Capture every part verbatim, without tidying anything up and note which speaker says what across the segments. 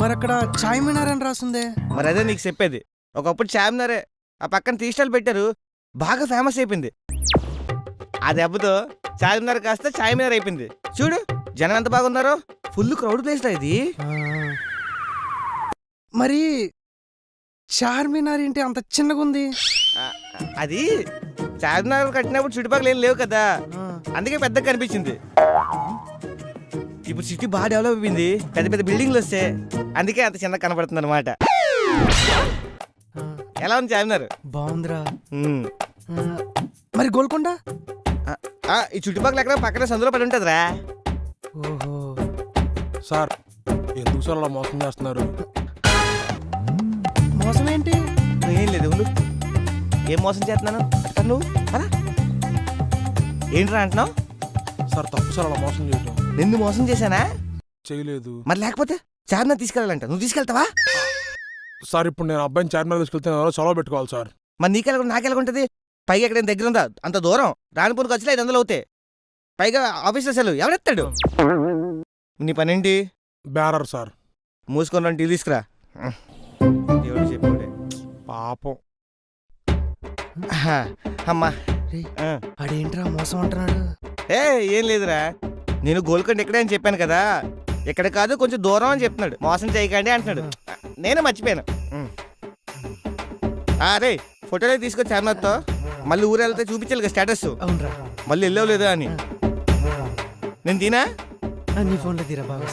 Speaker 1: మరి అక్కడ చాయ్ మినార్ అని రాసుందే.
Speaker 2: మరి అదే నీకు చెప్పేది. ఒకప్పుడు చార్మినారే, ఆ పక్కన టీ స్టాల్ పెట్టారు, బాగా ఫేమస్ అయిపోయింది. ఆ దెబ్బతో చార్మినార్ కాస్త చాయ్ మినార్ అయిపోయింది. చూడు జనం ఎంత బాగున్నారో, ఫుల్ క్రౌడ్ ప్లేస్ రా ఇది.
Speaker 1: మరి చార్మినార్ ఏంటి అంత చిన్నగా ఉంది?
Speaker 2: అది చార్మినార్ కట్టినప్పుడు చుట్టుపక్కల ఏం లేవు కదా, అందుకే పెద్దగా కనిపించింది. ఇప్పుడు సిటీ బాగా డెవలప్ అయిపోయింది, పెద్ద పెద్ద బిల్డింగ్లు వస్తాయి, అందుకే అంత చిన్నగా కనబడుతుంది అనమాట. ఎలా ఉంది చార్మినార్?
Speaker 1: బాగుందిరా. మరి గోల్కొండ
Speaker 2: ఈ చుట్టుపక్కల ఎక్కడ పక్కన సందులో పడి ఉంటుందిరా.
Speaker 1: ఓహో
Speaker 3: సార్, ఎందుకు సార్ అలా మోసం చేస్తున్నారు?
Speaker 1: మోసం ఏంటి?
Speaker 2: ఏం లేదు, ఉండు. ఏం మోసం చేస్తున్నాను నువ్వు? ఏంట్రా అంటున్నావు?
Speaker 3: సార్ తప్పు సార్ అలా మోసం చేయటం.
Speaker 2: నిన్ను మోసం చేశానా?
Speaker 3: చేయలేదు.
Speaker 2: మరి లేకపోతే చార్మినార్ తీసుకెళ్ళాలంట, నువ్వు తీసుకెళ్తావా?
Speaker 3: సార్ ఇప్పుడు నేను అబ్బాయిని చార్మినార్ తీసుకెళ్తే చొలవ పెట్టుకోవాలి సార్.
Speaker 2: మరి నీకెలా నాకెలాగుంటది? పైగా ఎక్కడ దగ్గర ఉందా? అంత దూరం రానిపోని ఖర్చులు ఐదు వందలు అవుతాయి, పైగా ఆఫీస్లో సెలవు ఎవడెత్తాడు? నీ పనేంటి?
Speaker 3: Bearer sir.
Speaker 2: మూసుకొని రండి, టీ తీసుకురా. దేవుడు చెప్పాడే
Speaker 3: పాపం.
Speaker 2: అమ్మా
Speaker 1: అడేంట్రా మోసం అంటున్నాడు?
Speaker 2: ఏ ఏం లేదురా, నేను గోల్కొండ ఎక్కడే అని చెప్పాను కదా, ఎక్కడ కాదు కొంచెం దూరం అని చెప్తున్నాడు. మోసం చేయకండి అంటున్నాడు, నేనే మర్చిపోయాను. అరే ఫోటోలే తీసుకొచ్చి చార్మినార్తో, మళ్ళీ ఊరు వెళ్తే చూపించాలి కదా స్టేటస్, మళ్ళీ వెళ్ళావు లేదా అని. నేను తినా
Speaker 1: నీ ఫోన్లో తీరా బాగా.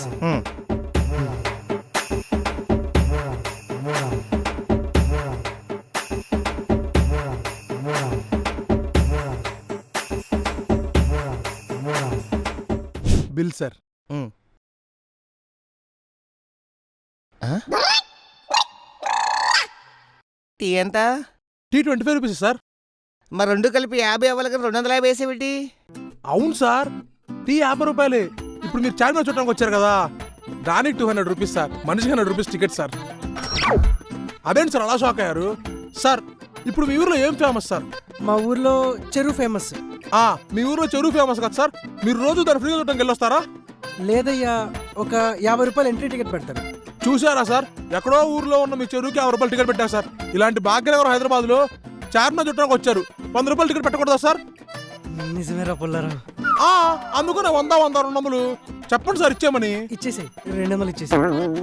Speaker 3: Bill sir.
Speaker 2: టీ ఎంత?
Speaker 3: Tea twenty five rupees sir.
Speaker 2: మరి రెండు కలిపి యాభై అవ్వాలి కదా, రెండు వందల యాభై వేసేవిటి?
Speaker 3: అవును సార్, టీ యాభై రూపాయలే. ఇప్పుడు మీరు చార్మినార్ చూడడానికి వచ్చారు కదా, దానికి టూ హండ్రెడ్ రూపీస్ సార్, మనిషికి హండ్రెడ్ రూపీస్ టికెట్ సార్. అదేంటి సార్ అలా షాక్ అయ్యారు? సార్ ఇప్పుడు మీ ఊర్లో ఏం ఫేమస్ సార్?
Speaker 1: మా ఊర్లో చెరువు ఫేమస్.
Speaker 3: మీ ఊర్లో చెరువు ఫేమస్ కదా సార్, మీరు రోజు దాన్ని ఫ్రీగా చూడడానికి వెళ్ళొస్తారా?
Speaker 1: లేదయ్యా, ఒక యాభై రూపాయలు ఎంట్రీ టికెట్ పెడతారు.
Speaker 3: చూసారా సార్, ఎక్కడో ఊర్లో ఉన్న మీ చెరువుకి యాభై రూపాయలు టికెట్ పెట్టారు సార్. ఇలాంటి భాగ్యనగరం హైదరాబాద్ లో చార్మినార్ చూడడానికి వచ్చారు, వంద రూపాయలు టికెట్ పెట్టకూడదా సార్?
Speaker 1: నిజమేరా పుల్లారా.
Speaker 3: అందుకు వంద వంద రెండు వందలు చెప్పండి సార్, ఇచ్చేయమని.
Speaker 1: ఇచ్చేసాయి, రెండు వందలు ఇచ్చేసి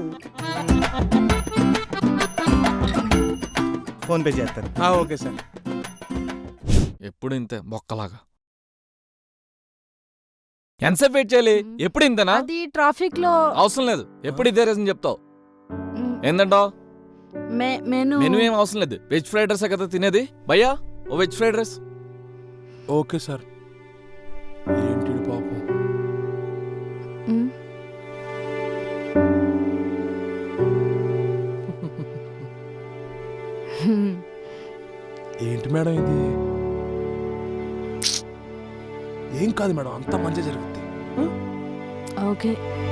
Speaker 2: ఫోన్ పే చేస్తాను.
Speaker 3: Okay sir.
Speaker 4: ఎప్పుడు ఇంతే బొక్కలాగా. ఎంతసేపు వెయిట్ చేయాలి? ఎప్పుడు ఇంతనా?
Speaker 5: అది ట్రాఫిక్ లో.
Speaker 4: అవసరం లేదు, ఎప్పుడు ఇదే రీజన్ చెప్తావు. ఏందంటావు?
Speaker 5: మెనూ
Speaker 4: మెనూ ఏం అవసరం లేదు, వెజ్ ఫ్రైడ్ రైస్ కదా తినేది. భయ్యా oh veg fried rice.
Speaker 3: Okay sir. ఏంటి పాపం, ఏంటి మేడం ఇది? ఏం కాదు మేడం, అంతా మంచి జరుగుతుంది.
Speaker 5: ఓకే.